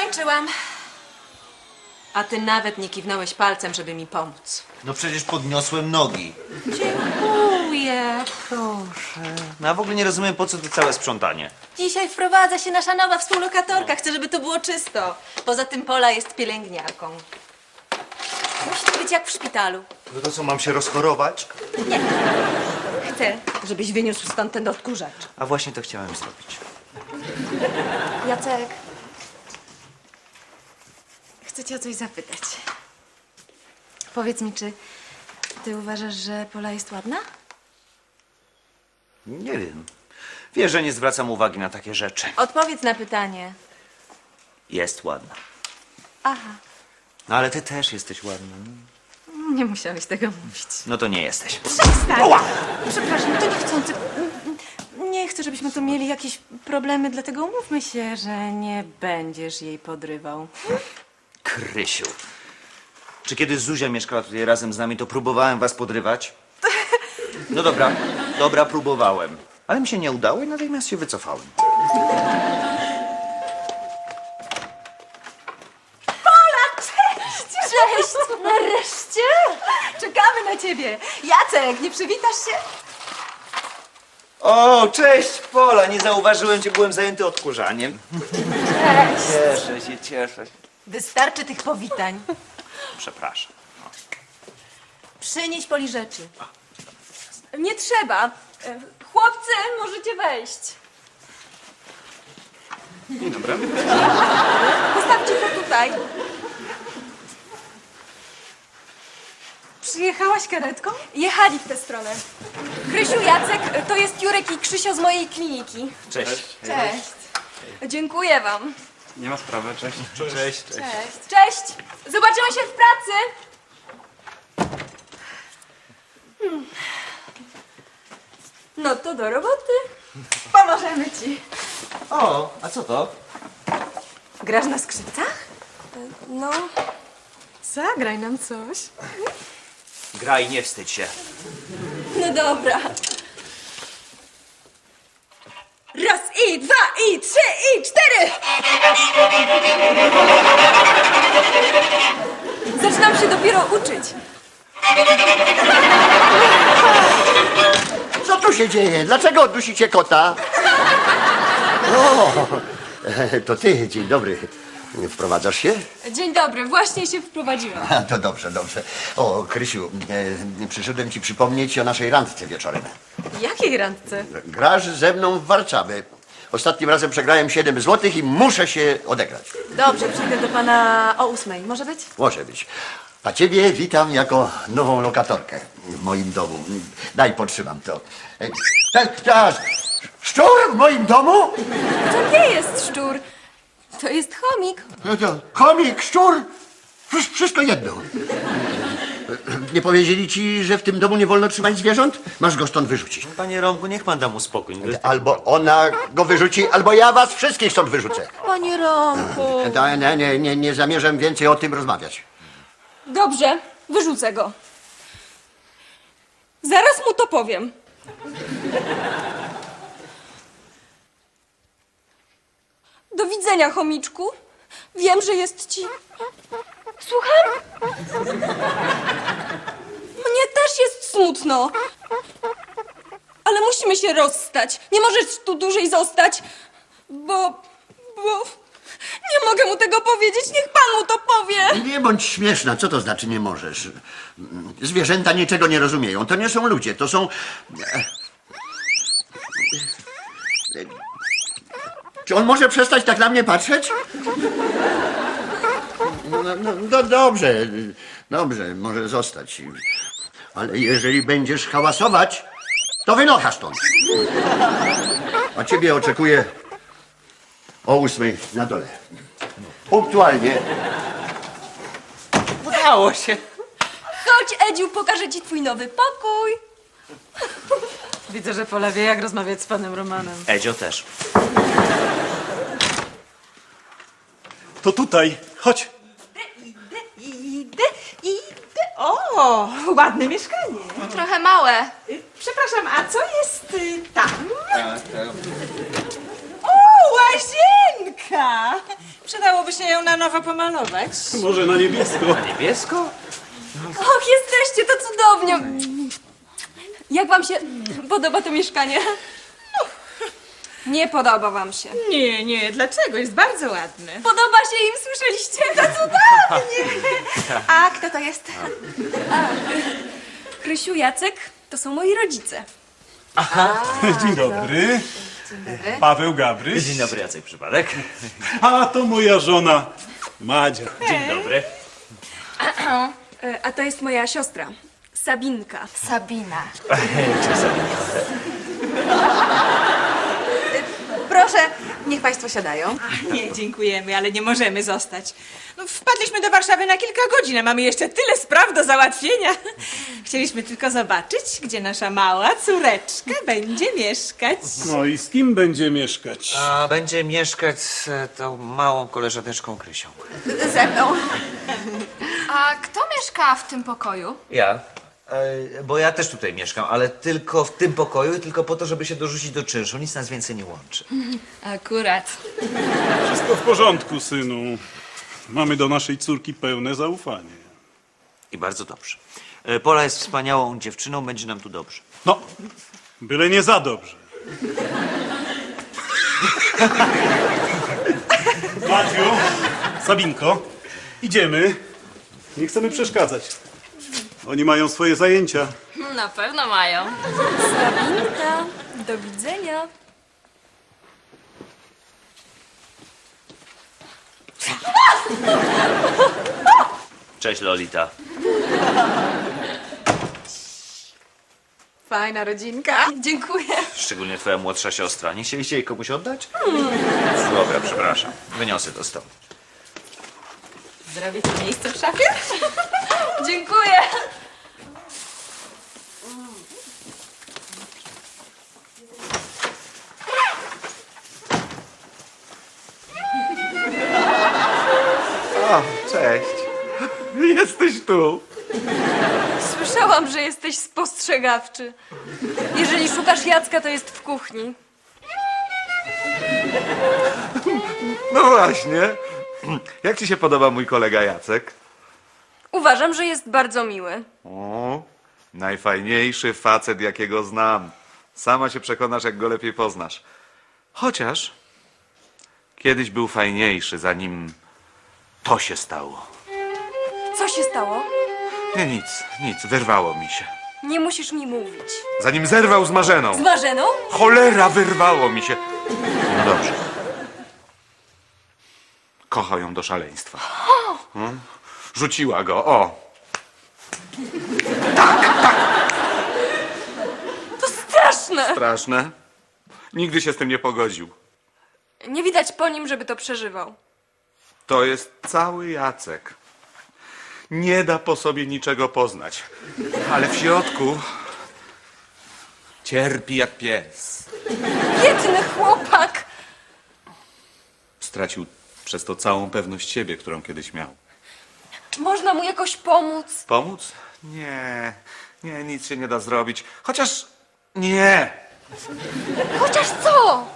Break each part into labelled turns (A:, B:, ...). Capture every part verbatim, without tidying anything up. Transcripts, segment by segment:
A: Skończyłam. A ty nawet nie kiwnąłeś palcem, żeby mi pomóc.
B: No przecież podniosłem nogi.
A: Dziękuję. Proszę.
B: No a w ogóle nie rozumiem, po co to całe sprzątanie.
A: Dzisiaj wprowadza się nasza nowa współlokatorka. Chcę, żeby to było czysto. Poza tym Pola jest pielęgniarką. Musi to być jak w szpitalu.
B: No to co, mam się rozchorować?
A: Chcę, żebyś wyniósł stąd ten odkurzacz.
B: A właśnie to chciałem zrobić.
A: Jacek. Chcę cię o coś zapytać. Powiedz mi, czy ty uważasz, że Pola jest ładna?
B: Nie wiem. Wiesz, że nie zwracam uwagi na takie rzeczy.
A: Odpowiedz na pytanie.
B: Jest ładna.
A: Aha.
B: No ale ty też jesteś ładna.
A: Nie musiałeś tego mówić.
B: No to nie jesteś.
A: Przestań! Przepraszam, to niechcący. Nie chcę, żebyśmy tu mieli jakieś problemy, dlatego umówmy się, że nie będziesz jej podrywał.
B: Krysiu. Czy kiedy Zuzia mieszkała tutaj razem z nami, to próbowałem was podrywać? No dobra, dobra, próbowałem. Ale mi się nie udało i natychmiast się wycofałem.
A: Cześć! Nareszcie! Czekamy na ciebie. Jacek, nie przywitasz się?
B: O, cześć Pola, nie zauważyłem cię, byłem zajęty odkurzaniem.
A: Cześć.
B: Cieszę się, cieszę się.
A: Wystarczy tych powitań.
B: Przepraszam.
A: Przynieś Poli rzeczy.
C: Nie trzeba. E, Chłopcy, możecie wejść.
B: Dzień dobry.
C: Postawcie to tutaj.
A: Przyjechałaś karetką?
C: Jechali w tę stronę. Krysiu, Jacek, to jest Jurek i Krzysio z mojej kliniki.
B: Cześć.
C: Cześć. Dziękuję wam.
D: Nie ma sprawy, cześć.
B: Cześć, cześć.
C: Cześć. Cześć. Zobaczymy się w pracy. Hmm. No to do roboty. Pomożemy ci.
B: O, a co to?
A: Grasz na skrzypcach?
C: No,
A: Zagraj nam coś.
B: Graj, nie wstydź się.
C: no dobra. Raz i dwa i trzy i cztery. Zaczynam się dopiero uczyć.
E: Co tu się dzieje? Dlaczego dusicie kota? O, to ty, dzień dobry. Wprowadzasz się?
C: Dzień dobry, właśnie się wprowadziłam.
E: A, to dobrze, dobrze. O, Krysiu, e, przyszedłem ci przypomnieć o naszej randce wieczorem.
A: Jakiej randce?
E: Grasz ze mną w Warszawę. Ostatnim razem przegrałem siedem złotych i muszę się odegrać.
A: Dobrze, przyjdę do pana o ósmej. Może być?
E: Może być. A ciebie witam jako nową lokatorkę w moim domu. Daj, podtrzymam to. E, Czas, czas. Szczur w moim domu?
C: To nie jest szczur, to jest chomik.
E: No to chomik, szczur, wsz- wszystko jedno. Nie powiedzieli ci, że w tym domu nie wolno trzymać zwierząt? Masz go stąd wyrzucić.
B: Panie Romku, niech pan da mu spokój.
E: Albo ona go wyrzuci, albo ja was wszystkich stąd wyrzucę.
A: Panie Romku.
E: Da- Nie, nie, nie, nie zamierzam więcej o tym rozmawiać.
C: Dobrze, wyrzucę go. Zaraz mu to powiem. Do widzenia, chomiczku. Wiem, że jest ci... Słucham? Mnie też jest smutno. Ale musimy się rozstać. Nie możesz tu dłużej zostać, bo... bo... Nie mogę mu tego powiedzieć. Niech pan mu to powie.
E: Nie bądź śmieszna, co to znaczy nie możesz? Zwierzęta niczego nie rozumieją. To nie są ludzie, to są... Czy on może przestać tak na mnie patrzeć? No, no, no, no dobrze, dobrze, może zostać. Ale jeżeli będziesz hałasować, to wynocha stąd. A ciebie oczekuję o ósmej na dole. Punktualnie.
B: Udało się.
C: Chodź, Edziu, pokażę ci twój nowy pokój.
A: Widzę, że Pola wie, jak rozmawiać z panem Romanem.
B: Edzio też.
D: To tutaj, chodź.
A: Idę, idę, idę. O, ładne mieszkanie.
C: Trochę małe.
A: Y, Przepraszam, a co jest y, tam?
B: Tak, tak.
A: O, łazienka!
F: Przydałoby się ją na nowo pomalować.
D: Może na niebiesko.
B: Niebiesko?
C: Och, jesteście, to cudownie. Jak wam się podoba to mieszkanie? Nie podoba wam się.
F: Nie, nie, dlaczego? Jest bardzo ładny.
C: Podoba się im, słyszeliście? To cudownie.
A: A kto to jest?
C: Krysiu, Jacek, to są moi rodzice.
D: Dzień dobry. Paweł Gabryś.
B: Dzień dobry, Jacek Przypadek.
D: A to moja żona Madzia.
B: Dzień dobry.
C: E, A to jest moja siostra, Sabinka.
A: Sabina. Proszę, niech państwo siadają.
F: Nie, dziękujemy, ale nie możemy zostać. No, wpadliśmy do Warszawy na kilka godzin, a mamy jeszcze tyle spraw do załatwienia. Chcieliśmy tylko zobaczyć, gdzie nasza mała córeczka będzie mieszkać.
D: No i z kim będzie mieszkać?
B: A będzie mieszkać z e, tą małą koleżaneczką Krysią.
A: Ze mną.
C: A kto mieszka w tym pokoju?
B: Ja. E, bo ja też tutaj mieszkam, ale tylko w tym pokoju i tylko po to, żeby się dorzucić do czynszu. Nic nas więcej nie łączy.
C: Akurat.
D: Wszystko w porządku, synu. Mamy do naszej córki pełne zaufanie.
B: I bardzo dobrze. E, Pola jest wspaniałą dziewczyną, będzie nam tu dobrze.
D: No, byle nie za dobrze. Maciu, Sabinko, idziemy. Nie chcemy przeszkadzać. Oni mają swoje zajęcia.
C: Na pewno mają. Sabinka, do widzenia.
B: Cześć, Lolita.
A: Fajna rodzinka.
C: Dziękuję.
B: Szczególnie twoja młodsza siostra. Nie chcieliście jej komuś oddać? Dobra, przepraszam. Wyniosę to stąd.
F: Zrobię ci miejsce w szafie?
C: Dziękuję.
B: O, cześć. Jesteś tu.
C: Słyszałam, że jesteś spostrzegawczy. Jeżeli szukasz Jacka, to jest w kuchni.
G: No właśnie. Jak ci się podoba mój kolega Jacek?
C: Uważam, że jest bardzo miły.
G: O, najfajniejszy facet, jakiego znam. Sama się przekonasz, jak go lepiej poznasz. Chociaż kiedyś był fajniejszy, zanim to się stało.
C: Co się stało?
G: Nie, nic, nic, wyrwało mi się.
C: Nie musisz mi mówić.
G: Zanim zerwał z Marzeną.
C: Z Marzeną?
G: Cholera, wyrwało mi się. No dobrze. Kocha ją do szaleństwa. Hmm? Rzuciła go, o.
C: To straszne.
G: Straszne. Nigdy się z tym nie pogodził.
C: Nie widać po nim, żeby to przeżywał.
G: To jest cały Jacek. Nie da po sobie niczego poznać. Ale w środku cierpi jak pies.
C: Biedny chłopak.
G: Stracił przez to całą pewność siebie, którą kiedyś miał.
C: Można mu jakoś pomóc?
G: Pomóc? Nie, nie, nic się nie da zrobić. Chociaż nie.
C: Chociaż co?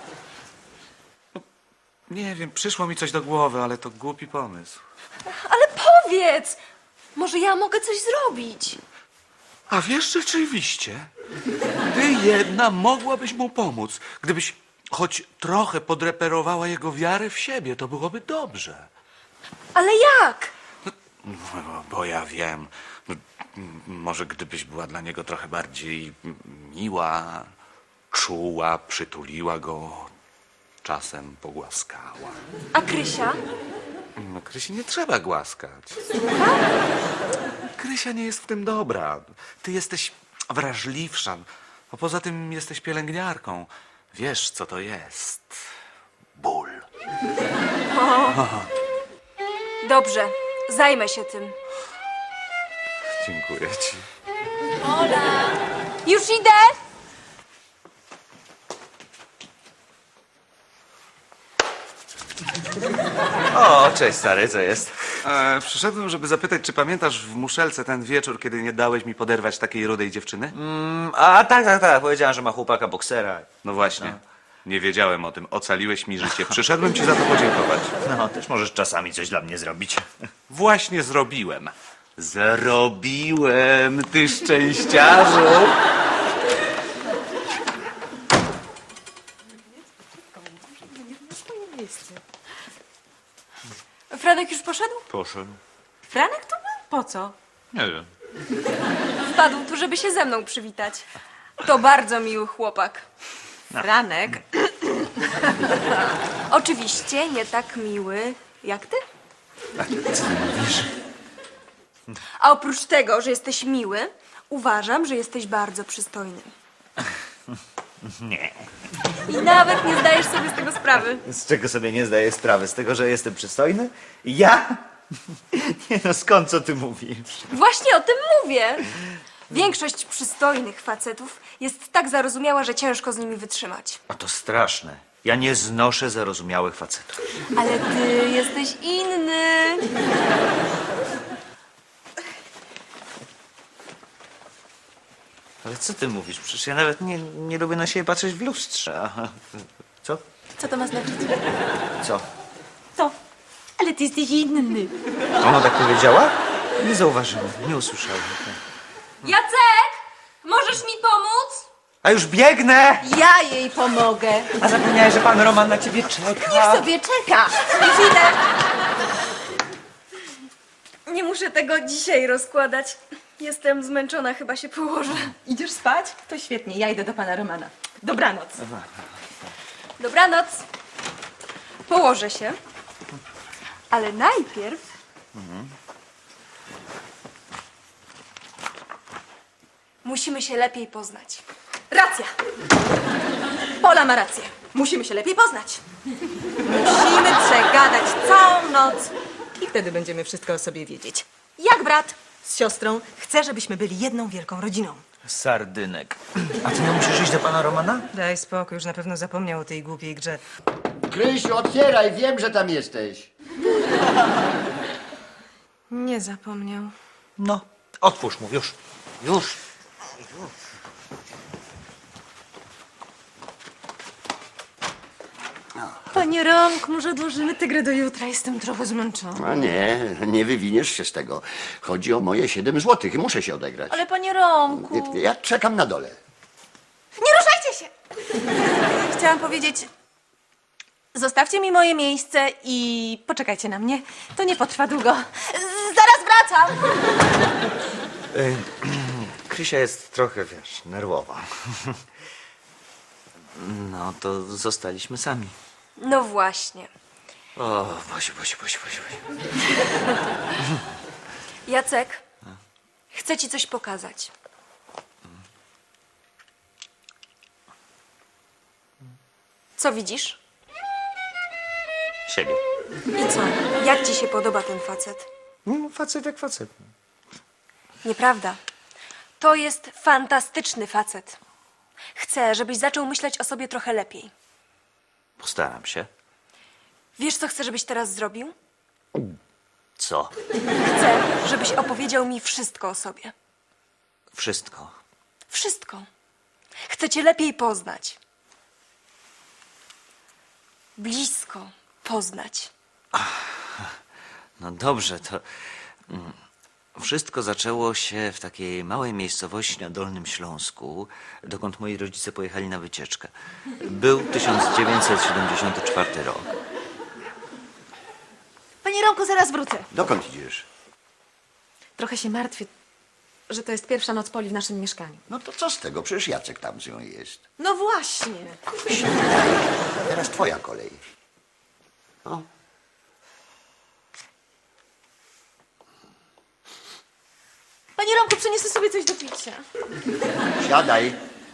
G: Nie wiem, przyszło mi coś do głowy, ale to głupi pomysł.
C: Ale powiedz. Może ja mogę coś zrobić.
G: A wiesz, rzeczywiście, ty jedna mogłabyś mu pomóc. Gdybyś choć trochę podreperowała jego wiarę w siebie, to byłoby dobrze.
C: Ale jak?
G: No, bo ja wiem. No, m- może gdybyś była dla niego trochę bardziej miła, czuła, przytuliła go, czasem pogłaskała.
C: A Krysia?
G: No, Krysi nie trzeba głaskać. Krysia nie jest w tym dobra. Ty jesteś wrażliwsza. A poza tym jesteś pielęgniarką. Wiesz, co to jest. Ból.
C: Dobrze, zajmę się tym.
G: Dziękuję ci.
C: Już idę!
B: O, cześć, stary, co jest?
G: E, przyszedłem, żeby zapytać, czy pamiętasz w Muszelce ten wieczór, kiedy nie dałeś mi poderwać takiej rudej dziewczyny?
B: Mm, a tak, tak, tak. Powiedziałem, że ma chłopaka boksera.
G: No właśnie. Nie wiedziałem o tym. Ocaliłeś mi życie. Przyszedłem ci za to podziękować.
B: No, też możesz czasami coś dla mnie zrobić.
G: Właśnie zrobiłem.
B: Zarobiłem, ty szczęściarzu.
C: Franek już poszedł?
G: Poszedł.
A: Franek to był? Po co?
G: Nie wiem.
C: Wpadł tu, żeby się ze mną przywitać. To bardzo miły chłopak.
A: Franek?
C: Oczywiście nie tak miły jak ty. A oprócz tego, że jesteś miły, uważam, że jesteś bardzo przystojny.
B: Nie.
C: I nawet nie zdajesz sobie z tego sprawy.
B: Z czego sobie nie zdaję sprawy? Z tego, że jestem przystojny? Ja? Nie no, skąd co ty mówisz?
C: Właśnie o tym mówię. Większość przystojnych facetów jest tak zarozumiała, że ciężko z nimi wytrzymać.
B: A to straszne. Ja nie znoszę zarozumiałych facetów.
C: Ale ty jesteś inny.
B: Ale co ty mówisz? Przecież ja nawet nie, nie lubię na siebie patrzeć w lustrze. Aha. Co?
C: Co to ma znaczyć?
B: Co?
A: To. Ale ty jesteś inny.
B: Ona tak powiedziała? Nie zauważyłem, nie usłyszałem.
C: Jacek! Możesz mi pomóc?
B: A już biegnę!
A: Ja jej pomogę.
B: A zapomniałeś, że pan Roman na ciebie czeka.
A: Niech sobie czeka.
C: Już idę. Nie muszę tego dzisiaj rozkładać. Jestem zmęczona, chyba się położę.
A: Idziesz spać? To świetnie, ja idę do pana Romana. Dobranoc.
C: Dobranoc. Położę się. Ale najpierw... Musimy się lepiej poznać. Racja. Pola ma rację. Musimy się lepiej poznać.
A: Musimy przegadać całą noc. I wtedy będziemy wszystko o sobie wiedzieć.
C: Jak brat?
A: Z siostrą chcę, żebyśmy byli jedną wielką rodziną.
B: Sardynek. A ty nie musisz iść do pana Romana?
A: Daj spokój, już na pewno zapomniał o tej głupiej grze.
E: Krysiu, otwieraj, wiem, że tam jesteś.
A: Nie zapomniał.
B: No, otwórz mu, już. Już.
A: Panie Romku, może odłożymy tę grę do jutra? Jestem trochę zmęczona.
E: A nie, nie wywiniesz się z tego. Chodzi o moje siedem złotych i muszę się odegrać.
A: Ale panie Romku...
E: Ja czekam na dole.
A: Nie ruszajcie się! Chciałam powiedzieć... Zostawcie mi moje miejsce i poczekajcie na mnie. To nie potrwa długo. Zaraz wracam!
B: Krysia jest trochę, wiesz, nerwowa. No, to zostaliśmy sami.
C: No właśnie.
B: O, Bosiu, Bosiu, Bosiu, Bosiu. Bosiu.
C: Jacek, chcę ci coś pokazać. Co widzisz?
B: Siebie.
C: I co? Jak ci się podoba ten facet?
B: No, facet jak facet.
C: Nieprawda. To jest fantastyczny facet. Chcę, żebyś zaczął myśleć o sobie trochę lepiej.
B: Postaram się.
C: Wiesz, co chcę, żebyś teraz zrobił?
B: Co?
C: Chcę, żebyś opowiedział mi wszystko o sobie.
B: Wszystko.
C: Wszystko. Chcę cię lepiej poznać. Blisko poznać.
B: No dobrze, to... mm, Wszystko zaczęło się w takiej małej miejscowości na Dolnym Śląsku, dokąd moi rodzice pojechali na wycieczkę. Był tysiąc dziewięćset siedemdziesiąty czwarty rok.
A: Panie Romku, zaraz wrócę.
E: Dokąd idziesz?
A: Trochę się martwię, że to jest pierwsza noc Poli w naszym mieszkaniu.
E: No to co z tego? Przecież Jacek tam z nią jest.
A: No właśnie.
E: Teraz twoja kolej. O.
A: Panie Romku, przyniosę sobie coś do picia.
E: Siadaj.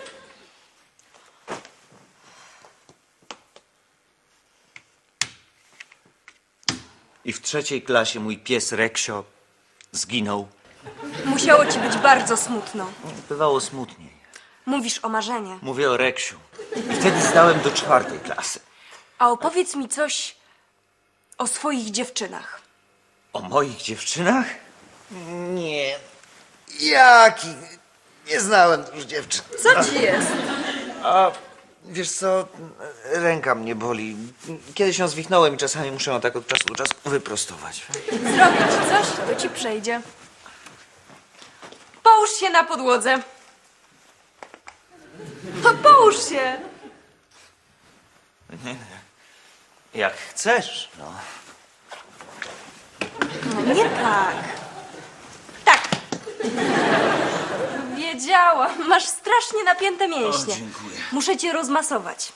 B: I w trzeciej klasie mój pies Reksio zginął.
C: Musiało ci być bardzo smutno.
B: Bywało smutniej.
C: Mówisz o Marzenie.
B: Mówię o Reksiu. I wtedy zdałem do czwartej klasy.
C: A opowiedz mi coś o swoich dziewczynach.
B: O moich dziewczynach? Nie. Jaki? Nie znałem już dziewczyn.
C: Co ci jest?
B: Wiesz co, ręka mnie boli. Kiedyś ją zwichnąłem i czasami muszę ją tak od czasu do czasu wyprostować.
A: Zrobię ci coś, to ci przejdzie. Połóż się na podłodze. No, połóż się.
B: Jak chcesz, no.
A: No nie tak. Tak. Wiedziałam. Masz strasznie napięte mięśnie.
B: O, dziękuję.
A: Muszę cię rozmasować.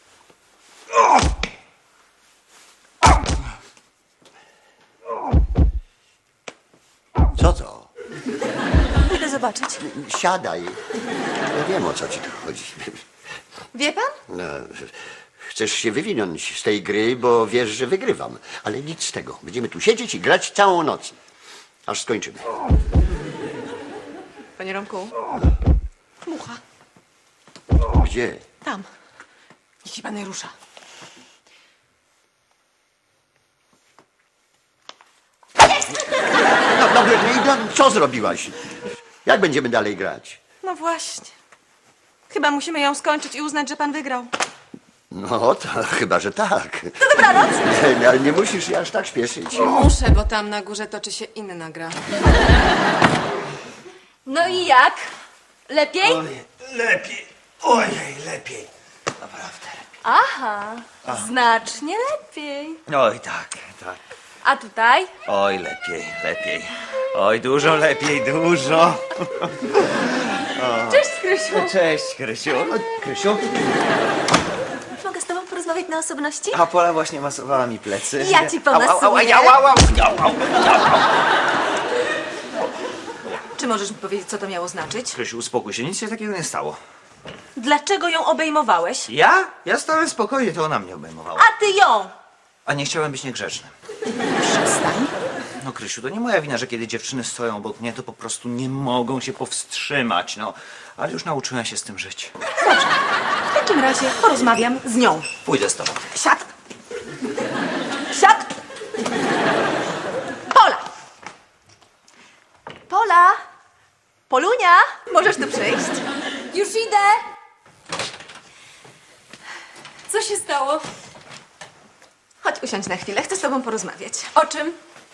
E: Co to?
A: Idę zobaczyć.
E: Siadaj. Ja wiem, o co ci tu chodzi.
A: Wie pan?
E: No, chcesz się wywinąć z tej gry, bo wiesz, że wygrywam. Ale nic z tego. Będziemy tu siedzieć i grać całą noc. Aż skończymy.
A: Panie Romku. Mucha.
E: Gdzie?
A: Tam. Niech się pan nie rusza.
E: No, no, no, no, co zrobiłaś? Jak będziemy dalej grać?
A: No właśnie. Chyba musimy ją skończyć i uznać, że pan wygrał.
E: No, to chyba, że tak.
A: To dobranoc.
E: Nie, ale nie musisz się aż tak śpieszyć.
A: Muszę, bo tam na górze toczy się inna gra. No i jak? Lepiej?
B: Oj, lepiej. Ojej, lepiej. Naprawdę.
A: Aha, znacznie lepiej.
B: Oj, tak, tak.
A: A tutaj?
B: Oj, lepiej, lepiej. Oj, dużo lepiej, dużo.
A: Cześć, Krysiu.
B: Cześć, Krysiu. Krysiu?
A: Mogę z tobą porozmawiać na osobności?
B: A Pola właśnie masowała mi plecy.
A: Ja ci
B: Au, au, au,
A: pomasuję.
B: au, au, au, au, au.
A: Czy możesz mi powiedzieć, co to miało znaczyć?
B: Krysiu, uspokój się, nic się takiego nie stało.
A: Dlaczego ją obejmowałeś?
B: Ja? Ja stałem spokojnie, to ona mnie obejmowała.
A: A ty ją!
B: A nie chciałem być niegrzeczny.
A: Przestań.
B: No, Krysiu, to nie moja wina, że kiedy dziewczyny stoją obok mnie, to po prostu nie mogą się powstrzymać, no. Ale już nauczyłem się z tym żyć.
A: W takim razie porozmawiam z nią.
B: Pójdę z tobą.
A: Siad! Siad! Pola! Pola! Polunia! Możesz tu przyjść? Już idę! Co się stało? Chodź usiądź na chwilę, chcę z tobą porozmawiać. O czym?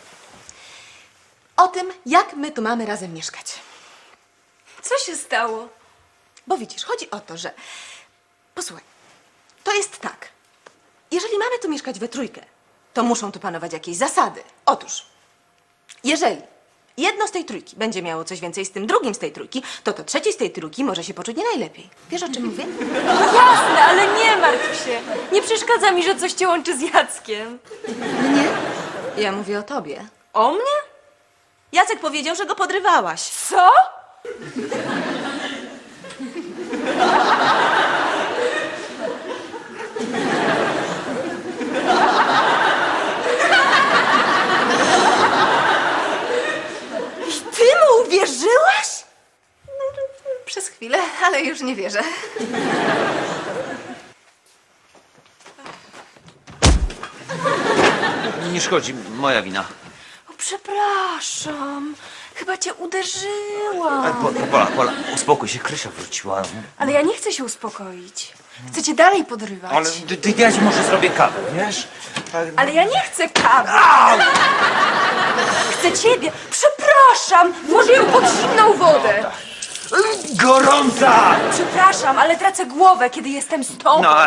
A: O tym, jak my tu mamy razem mieszkać. Co się stało? Bo widzisz, chodzi o to, że... Posłuchaj, to jest tak. Jeżeli mamy tu mieszkać we trójkę, to muszą tu panować jakieś zasady. Otóż, jeżeli jedno z tej trójki będzie miało coś więcej z tym drugim z tej trójki, to to trzeci z tej trójki może się poczuć nie najlepiej. Wiesz, o czym mówię? Jasne, ale nie martw się. Nie przeszkadza mi, że coś cię łączy z Jackiem. Nie? Ja mówię o tobie. O mnie? Jacek powiedział, że go podrywałaś. Co? Ty mu uwierzyłaś? No, przez chwilę, ale już nie wierzę.
B: Nie szkodzi, moja wina.
A: O, przepraszam. Chyba cię uderzyłam.
B: Ale po, po, Pola, Pola, uspokój się, Krysia wróciła.
A: Ale ja nie chcę się uspokoić. Chcę cię dalej podrywać.
B: Ale ty, ty, ja ci może zrobię kawę, wiesz? Tak,
A: Ale ja nie chcę kawy. Chcę ciebie. Przepraszam. Włożę ją pod zimną wodę.
B: gorąca!
A: Przepraszam, ale tracę głowę, kiedy jestem z tobą.
B: No.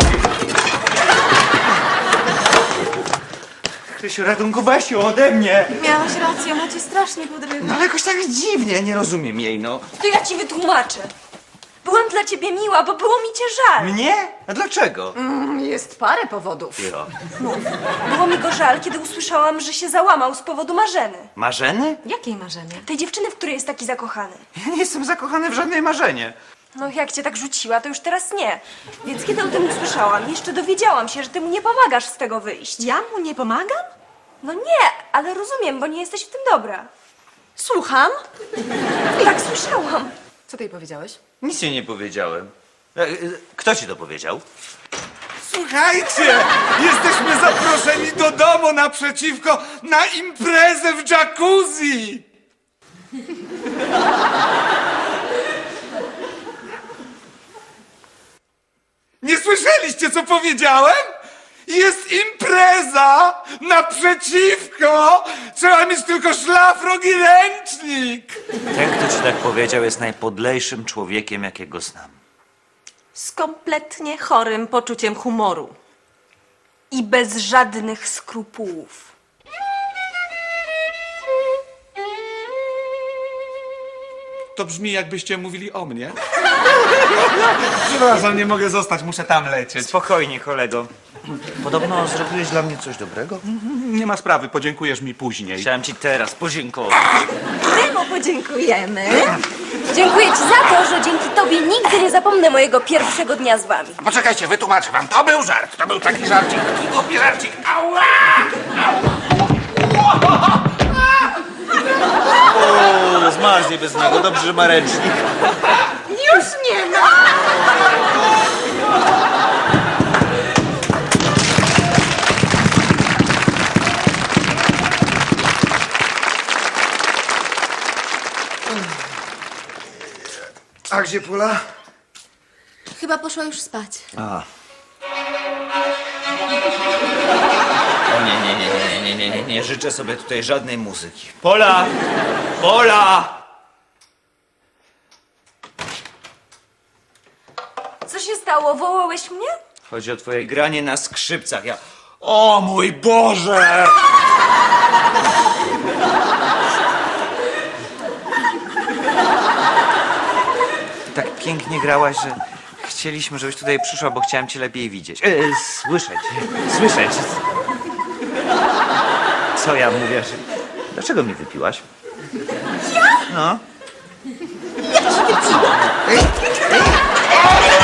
B: Krysiu, ratunku, weź ją ode mnie!
A: Miałaś rację, ona cię strasznie podrywa.
B: No ale jakoś tak dziwnie, nie rozumiem jej, no.
A: To ja ci wytłumaczę. Byłam dla ciebie miła, bo było mi cię żal.
B: Mnie? A dlaczego?
A: Jest parę powodów.
B: Jo.
A: Było mi go żal, kiedy usłyszałam, że się załamał z powodu Marzeny.
B: Marzeny?
A: Jakiej Marzeny? Tej dziewczyny, w której jest taki zakochany.
B: Ja nie jestem zakochany w żadnej Marzenie.
A: No jak cię tak rzuciła, to już teraz nie. Więc kiedy o tym usłyszałam, jeszcze dowiedziałam się, że ty mu nie pomagasz z tego wyjść. Ja mu nie pomagam? No nie, ale rozumiem, bo nie jesteś w tym dobra. Słucham? Tak słyszałam. Co ty jej powiedziałeś?
B: Nic ci nie powiedziałem. E, e, Kto ci to powiedział?
H: Słuchajcie, jesteśmy zaproszeni do domu naprzeciwko na imprezę w jacuzzi. Nie słyszeliście, co powiedziałem? Jest impreza naprzeciwko! Trzeba mieć tylko szlafrok i ręcznik!
B: Ten, kto ci tak powiedział, jest najpodlejszym człowiekiem, jakiego znam.
A: Z kompletnie chorym poczuciem humoru. I bez żadnych skrupułów.
H: To brzmi, jakbyście mówili o mnie. Przepraszam, nie mogę zostać, muszę tam lecieć.
B: Spokojnie, kolego. Podobno zrobiłeś dla mnie coś dobrego?
H: Nie ma sprawy, podziękujesz mi później.
B: Chciałem ci teraz podziękować.
A: Temu podziękujemy.
C: Dziękuję ci za to, że dzięki tobie nigdy nie zapomnę mojego pierwszego dnia z wami.
H: Poczekajcie, wytłumaczę wam. To był żart, to był taki żarcik, taki głupi żarcik. Ała!
B: O, zmarznie bez niego. Dobrze, że ma ręcznik.
A: Już nie ma!
H: A gdzie Pula?
C: Chyba poszła już spać.
B: A. O nie, nie, nie, nie, nie, nie, nie, nie życzę sobie tutaj żadnej muzyki. Pola! Pola!
A: Co się stało? Wołałeś mnie?
B: Chodzi o twoje granie na skrzypcach. Ja... O mój Boże! Ty tak pięknie grałaś, że chcieliśmy, żebyś tutaj przyszła, bo chciałem cię lepiej widzieć. E, słyszeć. Słyszeć. Co ja mówię? Że... Dlaczego mnie wypiłaś? Ja? No.
A: Ja ci wypiłam.